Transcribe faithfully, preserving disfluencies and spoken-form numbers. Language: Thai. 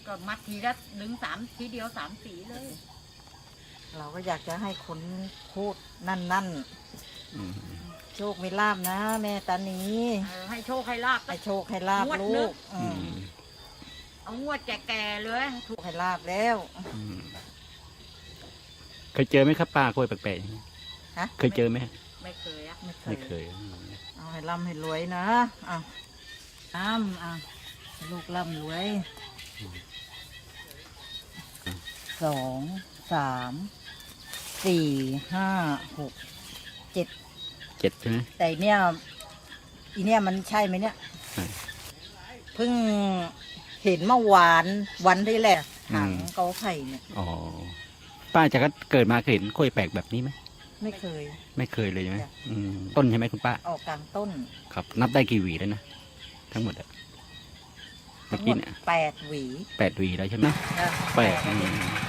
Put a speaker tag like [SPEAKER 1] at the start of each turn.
[SPEAKER 1] ก็มัดทีละดึงสามทีเดียวสามสีเลย
[SPEAKER 2] เราก็อยากจะให้คนพูดนั่นนั่น
[SPEAKER 3] อืม
[SPEAKER 2] โชคไม่ลาบนะ แม่ตานี
[SPEAKER 1] เออให้โชคให้ลาบ
[SPEAKER 2] ให้โชคให้ลาบ
[SPEAKER 1] งวด
[SPEAKER 2] ลู
[SPEAKER 1] นึ
[SPEAKER 2] ก
[SPEAKER 1] ง
[SPEAKER 2] อื
[SPEAKER 3] อื
[SPEAKER 2] ม
[SPEAKER 3] ม
[SPEAKER 1] เอางวดแก่ๆเลย
[SPEAKER 2] โชคให้ลาบแล้ว
[SPEAKER 3] อืมเคยเจอไหมครับป้ากล้วยแปลกๆอย่างนี้
[SPEAKER 2] ฮะ
[SPEAKER 3] เคยเจอไหม
[SPEAKER 1] ไม่เคยอะ
[SPEAKER 2] ไม่เค
[SPEAKER 3] ไม่
[SPEAKER 2] ย
[SPEAKER 3] เคยอืม
[SPEAKER 2] เอาให้ร่ำให้รวยนะอ่ะอ้ำอ่ะให้ลูกร่ำรวยสองสามสี่ห้าหกเจ็ด
[SPEAKER 3] เจ็ดใช่ไหม
[SPEAKER 2] แต่เนี่ยอีเนี่ยมันใช่ไหมเนี่ย
[SPEAKER 3] ใช่
[SPEAKER 2] เพิ่งเห็นเมื่อวานวันที่แหละหางเกาไข่เนี่ย
[SPEAKER 3] อ๋อป้าจากเกิดมาเคยเห็นกล้วยแปลกแบบนี้ไหม
[SPEAKER 2] ไม่เคย
[SPEAKER 3] ไม่เคยเลยใช่ไหม
[SPEAKER 2] จ้ะ
[SPEAKER 3] อืมต้นใช่ไหมคุณป้า
[SPEAKER 2] ออกกลางต้น
[SPEAKER 3] ครับ นับได้กี่หวีแล้วนะทั้งหมดอะเมื่
[SPEAKER 2] ทั้
[SPEAKER 3] อง
[SPEAKER 2] หม
[SPEAKER 3] กี้
[SPEAKER 2] ด
[SPEAKER 3] เนี่ย
[SPEAKER 2] แปดหวี
[SPEAKER 3] แปดหวีแล้วใช่ไหม
[SPEAKER 2] นะ
[SPEAKER 3] แปด
[SPEAKER 2] ห
[SPEAKER 3] อื
[SPEAKER 2] วี
[SPEAKER 3] ม